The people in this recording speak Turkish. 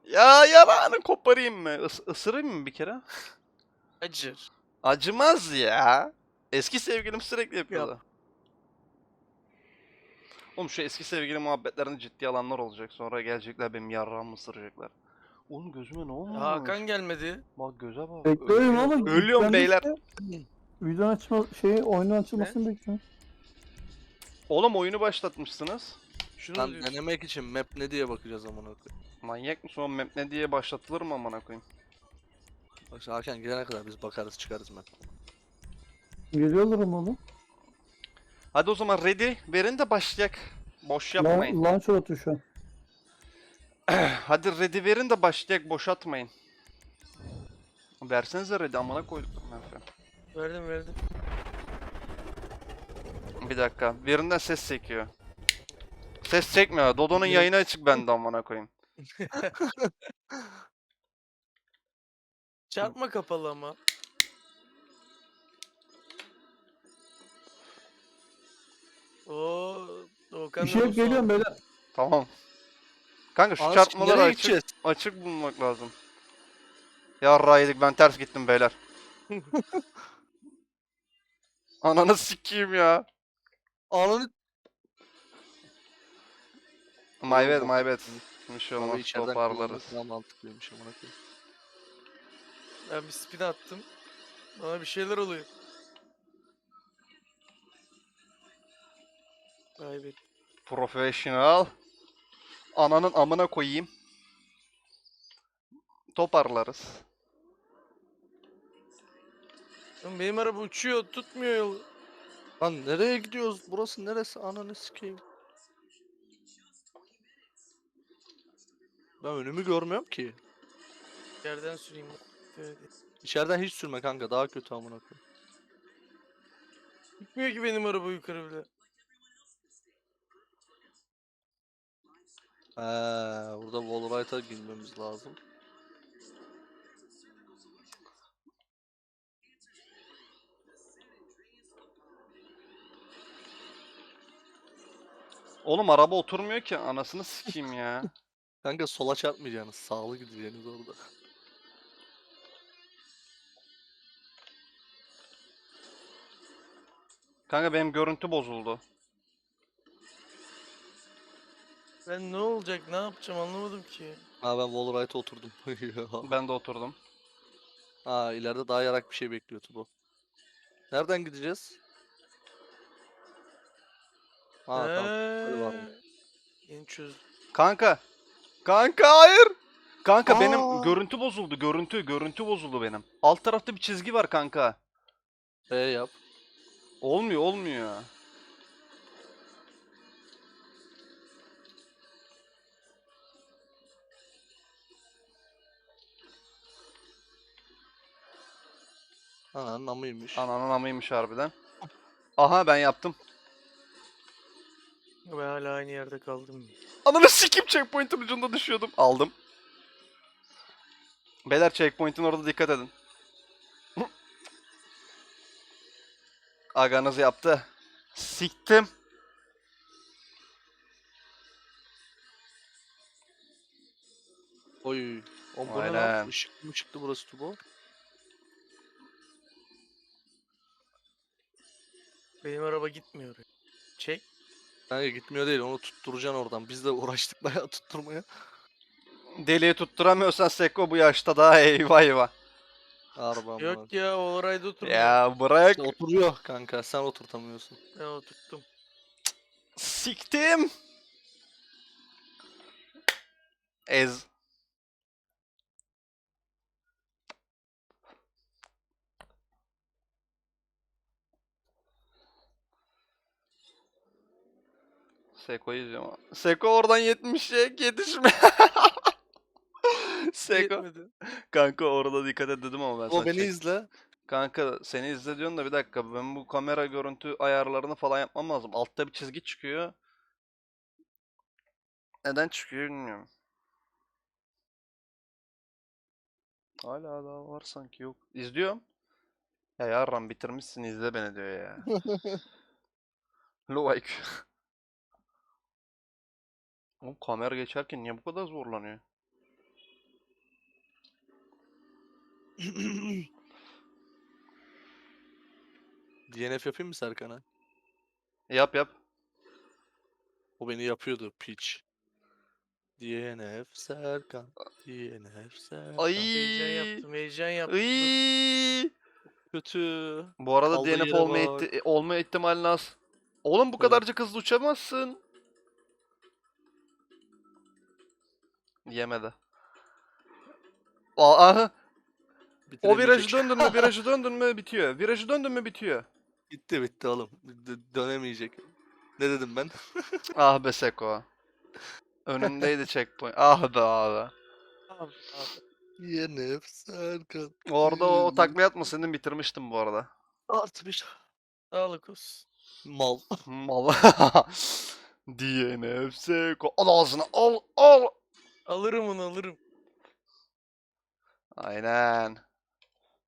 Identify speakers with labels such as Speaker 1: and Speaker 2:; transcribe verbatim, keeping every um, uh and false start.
Speaker 1: Ya yalanı koparayım mı? Is ısırayım mı bir kere?
Speaker 2: Acır.
Speaker 1: Acımaz ya. Eski sevgilim sürekli
Speaker 2: Yap.
Speaker 1: yapıyordu. Oğlum şu eski sevgili muhabbetlerinde ciddi alanlar olacak. Sonra gelecekler benim yarrağımı ısıracaklar. Oğlum gözüme ne olmuş?
Speaker 2: Hakan gelmedi.
Speaker 1: Bak göze bak.
Speaker 3: Bekliyorum
Speaker 1: Ölüyor.
Speaker 3: oğlum.
Speaker 1: Ölüyorum
Speaker 3: Yüklendi
Speaker 1: beyler.
Speaker 3: işte. Videonun açma şey oyunun
Speaker 2: Ne?
Speaker 3: açılmasını bekliyorum.
Speaker 1: Oğlum oyunu başlatmışsınız.
Speaker 2: Şunu
Speaker 4: Lan
Speaker 2: diyorsun.
Speaker 4: denemek için map ne diye bakacağız amına koyayım.
Speaker 1: Manyak mısın oğlum? Map ne diye başlatılır mı amına koyayım?
Speaker 4: Bak şimdi Hakan gelene kadar biz bakarız çıkarız map.
Speaker 3: Geliyorlar mı oğlum?
Speaker 1: Hadi o zaman ready verin de başlayak. Boş yapmayın.
Speaker 3: Lan, launcher atıyor şu an.
Speaker 1: Hadi ready verin de başlayak. Boş atmayın. Versenize ready amına koyduk.
Speaker 2: Verdim verdim.
Speaker 1: Bir dakika. Birinden ses çekiyor. Ses çekmiyor. Dodo'nun yayını açık bende amına koyayım.
Speaker 2: Çarpma kapalı ama. Oo, Doğukan
Speaker 3: Bir şey yok, geliyorum beyler.
Speaker 1: Tamam. Kanka şu
Speaker 4: Anasını
Speaker 1: çarpmaları
Speaker 4: nereye
Speaker 1: açık,
Speaker 4: gideceğiz?
Speaker 1: açık bulmak lazım. Yarrağıydık ben ters gittim beyler. Ananı sikeyim ya.
Speaker 4: Ananı
Speaker 1: My bad
Speaker 4: Oğlum,
Speaker 1: my bad. Bir şey
Speaker 4: abi
Speaker 1: olmaz
Speaker 4: içeriden
Speaker 1: toparlarız.
Speaker 4: kullanmak daha mantıklıymış amına koyayım.
Speaker 2: Ben bir spin attım. Bana bir şeyler oluyor. Kaybet.
Speaker 1: Professional. Ananın amına koyayım. Toparlarız.
Speaker 2: Oğlum benim araba uçuyor, tutmuyor yolu.
Speaker 4: Lan nereye gidiyoruz? Burası neresi? Ananı sikeyim. Ben önümü görmüyorum ki.
Speaker 2: Yerden süreyim. Evet.
Speaker 4: İçeriden hiç sürme kanka daha kötü amına koyayım.
Speaker 2: Gitmiyor ki benim araba yukarı bile.
Speaker 4: Eee burada Wallride'a girmemiz lazım.
Speaker 1: Oğlum araba oturmuyor ki anasını sikeyim ya.
Speaker 4: Kanka sola çarpmayacaksınız. Sağlı gideceksiniz orada.
Speaker 1: Kanka benim görüntü bozuldu.
Speaker 2: Ben ne olacak, ne yapacağım anlamadım ki.
Speaker 4: Ha ben Wallride'a oturdum.
Speaker 1: Ben de oturdum.
Speaker 4: Ha ileride daha yarak bir şey bekliyordu bu. Nereden gideceğiz? Ha tamam. Hadi var mı?
Speaker 2: Eee, Yeni çözdüm.
Speaker 1: Kanka. Kanka hayır. Kanka benim
Speaker 4: Aa!
Speaker 1: görüntü bozuldu. Görüntü, görüntü bozuldu benim. Alt tarafta bir çizgi var kanka.
Speaker 4: E yap.
Speaker 1: Olmuyor, olmuyor.
Speaker 4: Ananın amıymış.
Speaker 1: Ananın amıymış harbiden. Aha ben yaptım.
Speaker 2: Ben hala aynı yerde kaldım.
Speaker 1: Ananı sikeyim checkpoint'in ucunda düşüyordum. Aldım. Beyler checkpoint'in orada dikkat edin. Aganız yaptı. Siktim.
Speaker 4: Oy. O bu ne
Speaker 1: Aynen.
Speaker 4: lan? Işık mı çıktı burası Tubo?
Speaker 2: Benim araba gitmiyor. Çek.
Speaker 4: Kanka gitmiyor değil onu tutturacaksın oradan. Biz de uğraştık bayağı tutturmaya.
Speaker 1: Deliği tutturamıyorsan Seko bu yaşta daha eyvah eyvah.
Speaker 4: Harbi amına.
Speaker 2: Yok ya, o orayda oturmuyor.
Speaker 1: Ya bırak.
Speaker 4: İşte oturuyor kanka sen oturtamıyorsun.
Speaker 2: Ben oturttum.
Speaker 1: Siktim. Ez. Seko'yu izliyorum. Seko oradan yetmişe yetişme. Seko.
Speaker 2: Yetmedi.
Speaker 1: Kanka orada dikkat et dedim ama ben
Speaker 4: O
Speaker 1: sana
Speaker 4: beni
Speaker 1: çek-
Speaker 4: izle.
Speaker 1: Kanka seni izle diyorsun da bir dakika ben bu kamera görüntü ayarlarını falan yapmam lazım. Altta bir çizgi çıkıyor. Neden çıkıyor bilmiyorum. Hala daha var sanki yok. İzliyorum. Ya yarram bitirmişsin izle beni diyor ya. Low I Q. Oğlum kamera geçerken niye bu kadar zorlanıyor?
Speaker 4: D N F yapayım mı Serkan'a?
Speaker 1: Yap yap.
Speaker 4: O beni yapıyordu piç. D N F Serkan. D N F Serkan.
Speaker 1: Ay.
Speaker 2: Heyecan yaptım, heyecan yaptım. Dur.
Speaker 1: Iy.
Speaker 4: Kötü.
Speaker 1: Bu arada
Speaker 4: Kaldığı
Speaker 1: D N F
Speaker 4: yere
Speaker 1: olma,
Speaker 4: bak.
Speaker 1: ihti- olma ihtimalin az. Oğlum bu
Speaker 4: Evet.
Speaker 1: kadarcık hızlı uçamazsın. Yemedi. Aa, aha. O virajı
Speaker 4: Bitiremeyecek.
Speaker 1: döndün mü, virajı döndün mü bitiyor. Virajı döndün mü bitiyor.
Speaker 4: Bitti bitti oğlum. D- dönemeyecek. Ne dedim ben?
Speaker 1: Ah be Seko. Önündeydi checkpoint. Ah be abi.
Speaker 2: Abi, abi.
Speaker 4: D N F Serkan.
Speaker 1: Orada o
Speaker 4: Hmm.
Speaker 1: takla atmasaydın bitirmiştim bu arada.
Speaker 4: Artı bir.
Speaker 2: Sağlık olsun.
Speaker 4: Mal.
Speaker 1: Mal. D N F Seko. Al ağzına al al.
Speaker 2: Alırım onu alırım.
Speaker 1: Aynen.